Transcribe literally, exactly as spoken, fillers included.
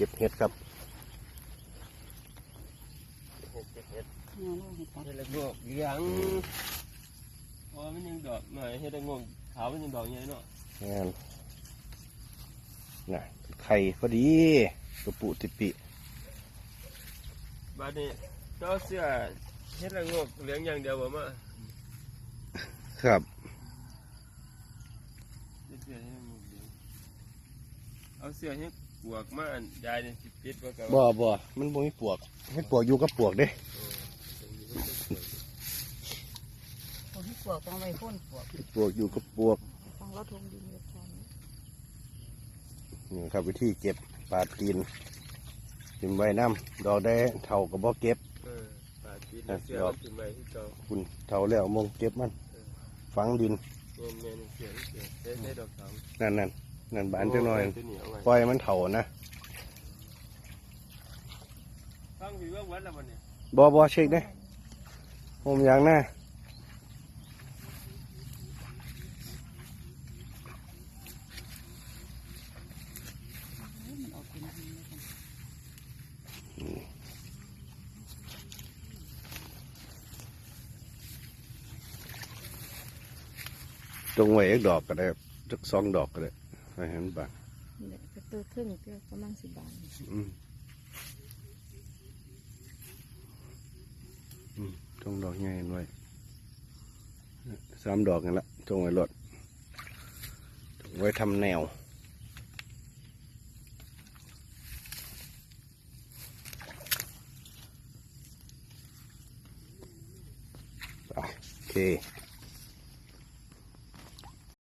ก็บเห็ดครับเห็ดเห็ดเห็ดเนี่ยเราเห็ดตัดเห็ดละงอกเลี้ยงพอมันยังดอกหน่อยเห็ดละงอกขาวมันยังดอกใหญ่เนาะงานน่ะไข่พอดีกระปุติปิบ้านนี้เจ้าเสื้อเห็ดละงอกเลี้ยงอย่างเดียวบ่มาครับเสื้อเห็ดละงอกเลี้ยงเอาเสื้อเห็ดปวกมาอันยายเนี่ยสิปิดไว้กับบ่บ่มันบ่มีปวกเห็ดปวกอยู่กับปวกเด้คนที่ปวกต้องไปพ่นปวกปวกอยู่กับปวกต้องเราทงดินเรียบร้อยนี่ครับวิธีเก็บปลาตีนกินไว้น้ำดอกได้เท่ากับบ่เก็บเออปาดปิดแล้วเสื้อมันถึงไว้ที่เจ้าคุณเท่าแล้วมงเก็บมันฝังดินเงี้ยเงี้ยเสื้อเสื้อได้ได้ดอกขาวนั่นนั่นนั่นบานจังหน่อยตัวนี้เอาไว้ปล่อยมันเท่านะฟังพี่ว่าวัดแล้ววันนี้บ่บ่เช็คได้ผมอย่างหน้ามันออกเป็นดินเลยกันจงไว้อีกดอกก็ได้จักสองดอกก็ได้ให้เห็นบานนี่แหละก็ตัวครึ่งก็ประมาณสิบบาทอืมอืมจงดอกใหญ่ไว้สามดอกนี่ละจงไว้รถจงไว้ทำแนวอ่ะโอเค